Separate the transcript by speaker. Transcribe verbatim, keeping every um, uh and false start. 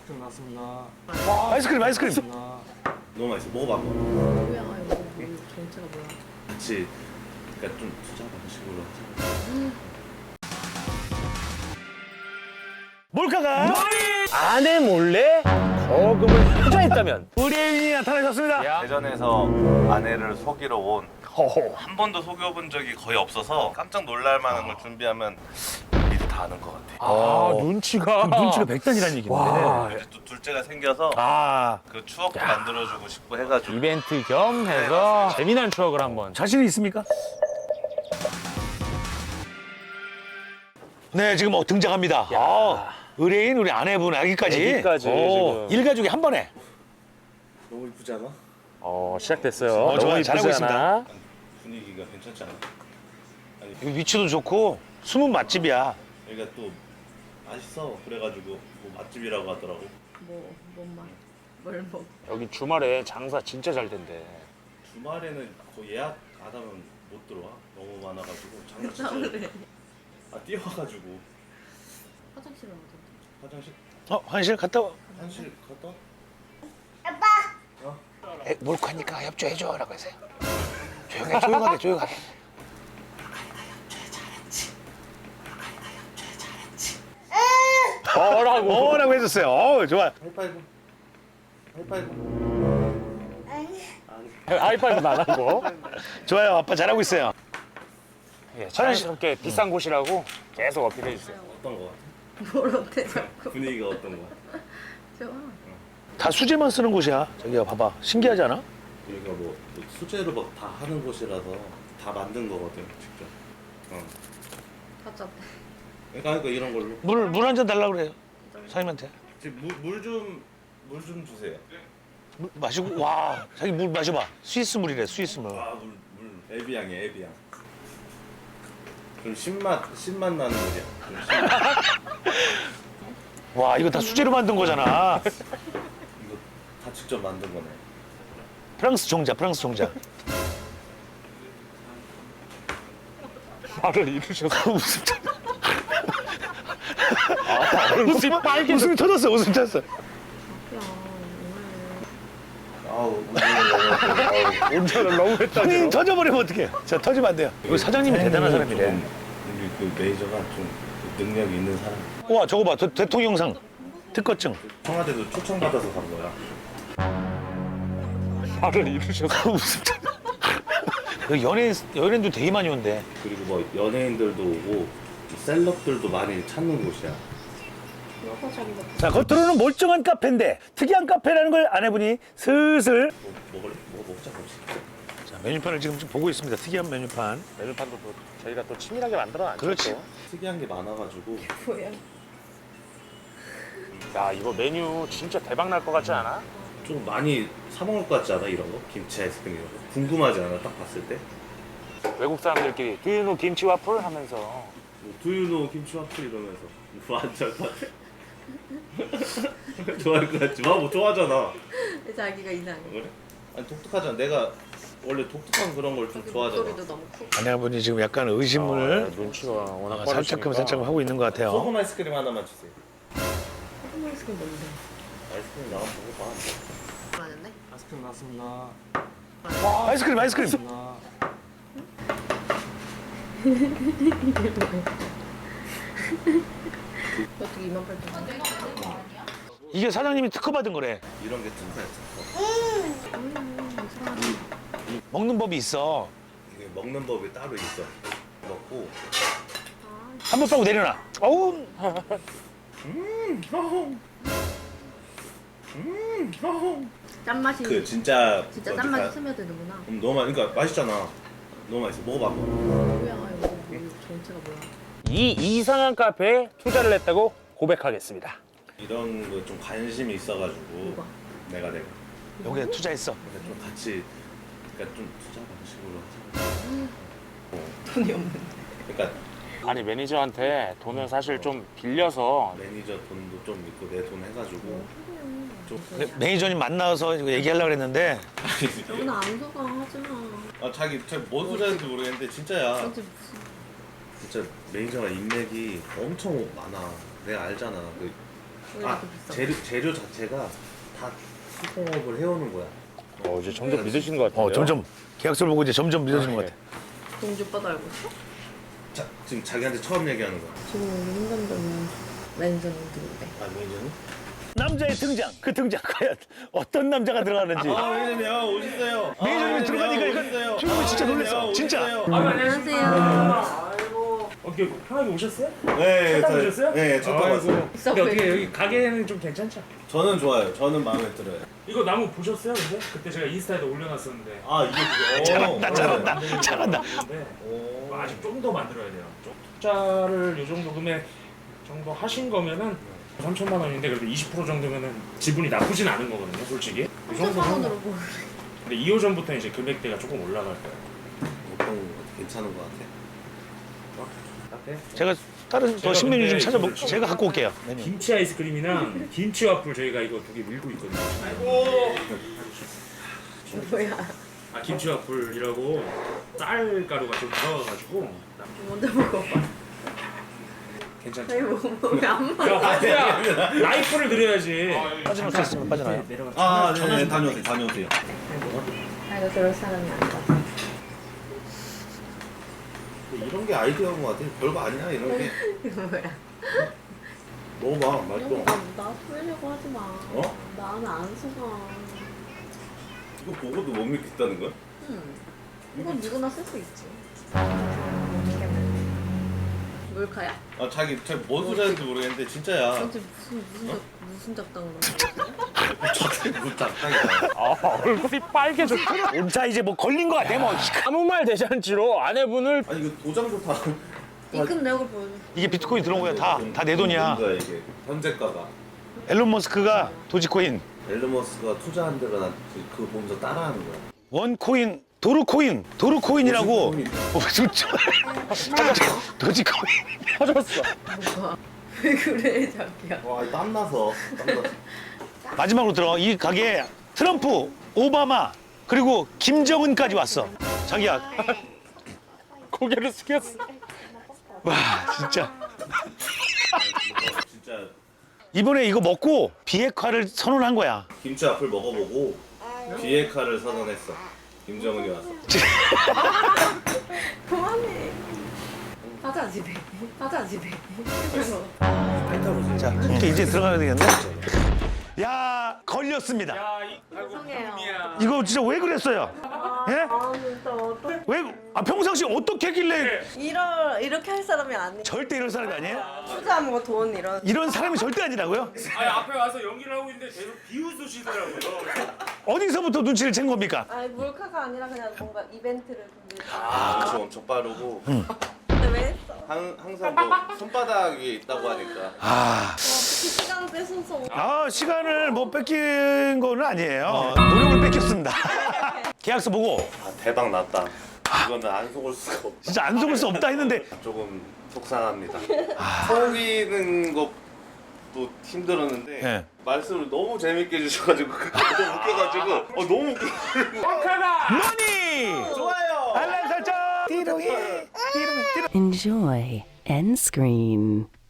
Speaker 1: 아이스크림 나왔습니다.
Speaker 2: 와, 아이스크림, 아이스크림.
Speaker 3: 너무 맛있어. 먹어봐.
Speaker 4: 뭐야 이거 뭐, 정체가 뭐야?
Speaker 3: 같이 그러니까 좀 투자 방식으로 하자.
Speaker 2: 몰카가 아내 몰래 거금을 투자했다면 의뢰인이 나타나셨습니다.
Speaker 3: 대전에서 아내를 속이러 온 한
Speaker 2: 허허.
Speaker 3: 번도 속여본 적이 거의 없어서 깜짝 놀랄 만한 걸 준비하면 미리 다 아는 것 같아.
Speaker 2: 아, 눈치가 눈치가 백단이라는 얘기인데.
Speaker 3: 와. 이제 또 둘째가 생겨서
Speaker 2: 아,
Speaker 3: 그 추억도 만들어주고 싶고 해가지고
Speaker 5: 이벤트 겸 해서 재미난 추억을 한번.
Speaker 2: 자신이 있습니까? 네, 지금 뭐 등장합니다. 아, 의뢰인 우리 아내분 아기까지.
Speaker 5: 아기까지
Speaker 2: 오,
Speaker 5: 지금.
Speaker 2: 일가족이 한 번에.
Speaker 3: 너무 이쁘지 않아?
Speaker 5: 어, 시작됐어요.
Speaker 2: 어,
Speaker 5: 너무
Speaker 2: 좋아요.
Speaker 5: 이쁘지
Speaker 2: 잘하고 있습니다.
Speaker 5: 않아?
Speaker 3: 분위기가 괜찮지 않아? 아니
Speaker 2: 여기 위치도 좋고 숨은 맛집이야.
Speaker 3: 여기가 또 맛있어. 그래가지고 뭐 맛집이라고 하더라고.
Speaker 4: 뭐, 뭔 말? 뭘 먹?
Speaker 5: 여기 주말에 장사 진짜 잘 된대.
Speaker 3: 주말에는 거의 예약 안 하면 못 들어와. 너무 많아가지고 장사 진짜.
Speaker 4: 그래.
Speaker 3: 아 뛰어와가지고
Speaker 4: 화장실은 어디?
Speaker 3: 화장실
Speaker 2: 어, 화장실 갔다 와.
Speaker 3: 화장실 갔다.
Speaker 2: 에, 몰카니까 협조해줘라고 하세요. 조용해, 조용하게, 조용하게.
Speaker 5: 뭐라고?
Speaker 2: 어라고 해줬어요. 어, 좋아.
Speaker 3: 하이파이브. 하이파이브.
Speaker 5: 하이파이브 안 하고.
Speaker 2: 좋아요. 아빠 잘하고 있어요.
Speaker 5: 예, 자연스럽게 비싼 곳이라고 계속 어필해 주세요.
Speaker 3: 어떤 거 같아?
Speaker 4: 뭘 어때 자꾸?
Speaker 3: 분위기가 어떤 거?
Speaker 4: 좋아.
Speaker 2: 다 수제만 쓰는 곳이야. 저기야, 봐봐. 신기하지 않아?
Speaker 3: 여기가 뭐 수제로 막 다 하는 곳이라서 다 만든 거거든 직접. 어.
Speaker 4: 답답해.
Speaker 3: 그러니까, 그러니까 이런 걸로.
Speaker 2: 물, 물 한 잔 달라고 그래요. 사장님한테.
Speaker 3: 물 좀 물 좀 주세요.
Speaker 2: 물 마시고, 와. 자기 물 마셔봐. 스위스 물이래, 스위스 물.
Speaker 3: 아물 물. 에비앙이야 에비앙. 좀 신맛 신맛 나는 물이야. 좀 신맛.
Speaker 2: 와, 이거 다 수제로 만든 거잖아.
Speaker 3: 이거 다 직접 만든 거네.
Speaker 2: 프랑스 종자, 프랑스 종자.
Speaker 5: 말을 이루셔서.
Speaker 2: 웃음 터-
Speaker 5: 웃음이 빨개.
Speaker 2: 웃음이 터졌어, 웃음 터졌어.
Speaker 4: 야 오늘
Speaker 3: 아우 아우.
Speaker 5: 운전을 너무 했다.
Speaker 2: 본인 터져버리면 어떡해. 자, 터지면 안 돼요. 여기 사장님이 대단한 사람이래.
Speaker 3: 좀 우리 그 매니저가 좀 능력이 있는 사람.
Speaker 2: 와, 저거 봐. 대, 대통령상. 특허증.
Speaker 3: 청와대도 초청받아서 간 거야.
Speaker 5: 말을 이루셔서.
Speaker 2: 웃음 터졌어. 여기 연예인, 연예인도 되게 많이 온대.
Speaker 3: 그리고 뭐 연예인들도 오고 셀럽들도 많이 찾는 곳이야.
Speaker 4: 여가 자리가
Speaker 2: 자, 겉으로는 멀쩡한 카페인데 특이한 카페라는 걸 아내분이 슬슬.
Speaker 3: 뭐 먹을래? 뭐 먹자 그렇지.
Speaker 2: 자, 메뉴판을 지금 좀 보고 있습니다. 특이한 메뉴판.
Speaker 5: 메뉴판도 또 저희가 또 치밀하게 만들어놨죠.
Speaker 2: 그렇지.
Speaker 5: 또.
Speaker 3: 특이한 게 많아가지고
Speaker 4: 뭐야?
Speaker 5: 야, 이거 메뉴 진짜 대박 날 것 같지 않아?
Speaker 3: 좀 많이 사 먹을 것 같지 않아? 이런 거? 김치 아이스크림 이런 거? 궁금하지 않아? 딱 봤을 때?
Speaker 5: 외국 사람들끼리 Do you know 김치 와플 하면서
Speaker 3: 뭐 두유노 김치 와플 이러면서 뭐 안 좋아할 것 같아? 좋아할 것 같지? 뭐 좋아하잖아.
Speaker 4: 자기가 이상해.
Speaker 3: 그래? 아니 독특하잖아. 내가 원래 독특한 그런 걸 좀 좋아하잖아.
Speaker 4: 목소리도 너무 크고.
Speaker 2: 아내분이 지금 약간 의심을
Speaker 5: 아, 눈치가 워낙
Speaker 2: 아, 살짝금
Speaker 5: 빠르시니까.
Speaker 2: 살짝금 하고 있는 것 같아요.
Speaker 3: 소금 아이스크림 하나만 주세요.
Speaker 4: 소금 아이스크림 뭔데?
Speaker 3: 아이스크림 나만 먹어봐.
Speaker 4: 많은데?
Speaker 1: 아이스크림 나왔습니다.
Speaker 2: 아이스크림, 아이스크림.
Speaker 4: 어떻게 이만 팔천 원?
Speaker 2: 이게 사장님이 특허 받은 거래.
Speaker 3: 이런 게 특허야.
Speaker 2: 먹는 법이 있어.
Speaker 3: 이게 먹는 법이 따로 있어. 먹고
Speaker 2: 한 번 빠고 내려놔. 어우,
Speaker 4: 짠맛이
Speaker 3: 그 진짜
Speaker 4: 진짜
Speaker 3: 어디
Speaker 4: 짠맛이
Speaker 3: 가-
Speaker 4: 스며드는구나.
Speaker 3: 음, 너무 맛. 그러니까 맛있잖아. 너무 맛있어. 먹어봐.
Speaker 4: 뭐야 이거 뭐, 정체가 뭐야?
Speaker 5: 이 이상한 카페에 투자를 했다고 고백하겠습니다.
Speaker 3: 이런 거 좀 관심이 있어가지고
Speaker 4: 뭐가?
Speaker 3: 내가 내가
Speaker 2: 여기에 투자했어.
Speaker 3: 그러니까 좀 같이 그러니까 좀 투자 방식으로 하자.
Speaker 4: 돈이 없는데.
Speaker 3: 그러니까
Speaker 5: 아니 매니저한테 돈을 사실 좀 빌려서
Speaker 3: 매니저 돈도 좀 있고 내 돈 해가지고 좀
Speaker 2: 근데 매니저님 만나서 이거 얘기하려고 그랬는데
Speaker 4: 여기는 안 속아 하지마.
Speaker 3: 아 자기 뭔 소리 하는지 모르겠는데 진짜야.
Speaker 4: 진짜 무슨
Speaker 3: 진짜 매니저가 인맥이 엄청 많아. 내가 알잖아. 그
Speaker 4: 왜
Speaker 3: 아
Speaker 4: 이렇게 비싸?
Speaker 3: 재료 재료 자체가 다 수공업을 해오는 거야.
Speaker 5: 어, 이제 점점 믿으시는 것 같아요.
Speaker 2: 어 점점 계약서를 보고 이제 점점 믿어지는 것 같아.
Speaker 4: 동주 오빠도 알고 있어?
Speaker 3: 자 지금 자기한테 처음 얘기하는 거야.
Speaker 4: 지금 우리 힘든다면 매니저님 누군데?
Speaker 3: 아 매니저는?
Speaker 2: 남자의 등장, 그 등장 과연 어떤 남자가 들어가는지.
Speaker 3: 아 매니저님 오셨어요.
Speaker 2: 매니저님이 들어가니까 이거 주인공이 진짜 놀랐어. 진짜.
Speaker 4: 안녕하세요.
Speaker 5: 어떻게 편하게 오셨어요?
Speaker 3: 네,
Speaker 5: 첫
Speaker 3: 저-
Speaker 5: 오셨어요?
Speaker 3: 네, 첫 타봤어요.
Speaker 5: 근데 어떻게 여기 가게는 좀 괜찮죠?
Speaker 3: 저는 좋아요. 저는 마음에 들어요.
Speaker 5: 이거 나무 보셨어요? 근데 그때 제가 인스타에도 올려놨었는데.
Speaker 3: 아 이게 그거.
Speaker 2: 잘한다, 잘한다, 잘한다.
Speaker 3: 오.
Speaker 5: 아직 좀 더 만들어야 돼요. 좀 투자를 이 정도 금액 정도 하신 거면은 삼천만 원인데 그래도 이십 퍼센트 정도면은 지분이 나쁘진 않은 거거든요, 솔직히. 이 정도면.
Speaker 4: 천원으로 뭐?
Speaker 5: 근데 이 호전부터 이제 금액대가 조금 올라갈 거예요.
Speaker 3: 보통 괜찮은 것 같아.
Speaker 5: 카페?
Speaker 2: 제가 다른 더
Speaker 5: 제가
Speaker 2: 신메뉴 좀
Speaker 5: 근데
Speaker 2: 찾아보.
Speaker 5: 이거
Speaker 2: 제가 갖고 올게요. 메뉴.
Speaker 5: 김치 아이스크림이랑 김치 와플 저희가 이거 두 개 밀고 있거든요.
Speaker 4: 뭐야?
Speaker 5: 아 김치 와플이라고 쌀가루가 좀 들어가가지고
Speaker 4: 먼저 먹어봐.
Speaker 5: 괜찮죠?
Speaker 4: 아니 뭐왜안 먹어?
Speaker 5: 야 화수야 라이프를 드려야지.
Speaker 2: 빠져나올 수 있으면 빠져나요.
Speaker 5: 내려가.
Speaker 3: 아, 네, 네, 다녀오세요, 다녀오세요.
Speaker 4: 아 이거 그럴 사람이 아니다.
Speaker 3: 이런 게 아이디어인 것 같아. 별거 아니야, 이런 게.
Speaker 4: 이거 뭐야?
Speaker 3: 먹어봐, 맛있어.
Speaker 4: 나, 나 소리려고 하지 마.
Speaker 3: 어?
Speaker 4: 나는 안 속아.
Speaker 3: 이거 보고도 못 믿겠다는 거야?
Speaker 4: 응. 이건 누구나 쓸 수 있지. 몰카야?
Speaker 3: 아, 자기, 자기 뭔 소리 하는지 모르겠는데, 진짜야.
Speaker 4: 진짜 무슨 무슨 작, 무슨 작당을 하는
Speaker 3: 저게 무슨 작당이야.
Speaker 5: 아 얼굴이 빨개졌구나.
Speaker 2: 자 이제 뭐 걸린 것 같아. 뭐
Speaker 5: 아무 말 대잔치로 아내분을
Speaker 3: 아니, 이거 도장도 다.
Speaker 4: 입금 내역을 보여줘.
Speaker 2: 이게 비트코인 들어온 거야. 다 다 내 돈이야.
Speaker 3: 뭔가 이게 현재가가.
Speaker 2: 앨런 머스크가 도지코인,
Speaker 3: 앨런 머스크가 투자한 데가 난 그거 보면서 따라하는 거야.
Speaker 2: 원코인, 도르코인, 도르코인이라고.
Speaker 3: 도지코인.
Speaker 2: 어, 진짜. 도지코인.
Speaker 5: 터졌어.
Speaker 4: 뭐가? 왜 그래 자기야?
Speaker 3: 와, 땀나서. 땀나서.
Speaker 2: 마지막으로 들어. 이 가게에 트럼프, 오바마 그리고 김정은까지 왔어. 자기야.
Speaker 5: 고개를 숙였어.
Speaker 2: 와 진짜.
Speaker 3: 진짜
Speaker 2: 이번에 이거 먹고 비핵화를 선언한 거야.
Speaker 3: 김치 앞을 먹어보고 비핵화를 선언했어. 김정은이 와서.
Speaker 4: 그만해. 가자 집에. 가자 집에.
Speaker 2: 자, 이렇게 이제 들어가야 되겠네. 야 걸렸습니다.
Speaker 5: 야, 이, 아이고
Speaker 4: 죄송해요.
Speaker 5: 봄이야.
Speaker 2: 이거 진짜 왜 그랬어요? 예?
Speaker 4: 아 진짜 어떡해.
Speaker 2: 왜? 아 평상시 어떻게 했길래
Speaker 1: 이러 이렇게 할 사람이 아니.
Speaker 2: 절대 이런 사람이 아니에요?
Speaker 1: 투자한 거 돈 이런.
Speaker 2: 이런 사람이 절대 아니라고요?
Speaker 5: 아니 앞에 와서 연기를 하고 있는데 계속 비웃으시더라고요.
Speaker 2: 어디서부터 눈치를 챈 겁니까?
Speaker 1: 아니 몰카가 아니라 그냥 뭔가 이벤트를 준비.
Speaker 3: 아, 그거 엄청 빠르고
Speaker 1: 근데 왜 했어?
Speaker 3: 항, 항상 뭐 손바닥에 있다고 하니까.
Speaker 2: 아,
Speaker 1: 어떻게 시간을 뺏어서.
Speaker 2: 아 시간을 뭐 뺏긴 거는 아니에요. 노력을 뺏겼습니다. 계약서 보고
Speaker 3: 아, 대박 났다. 이거는 안 속을 수가 없다.
Speaker 2: 진짜 안 속을 수 없다 했는데
Speaker 3: 조금 속상합니다. 속이는 것도 힘들었는데
Speaker 2: 네.
Speaker 3: 말씀을 너무 재밌게 해주셔가지고 너무 웃겨가지고 어, 너무 웃겨.
Speaker 2: 머니!
Speaker 3: 좋아요.
Speaker 2: 알람 설정! 띠롱이! 띠롱이! 띠롱이!
Speaker 6: Enjoy end screen.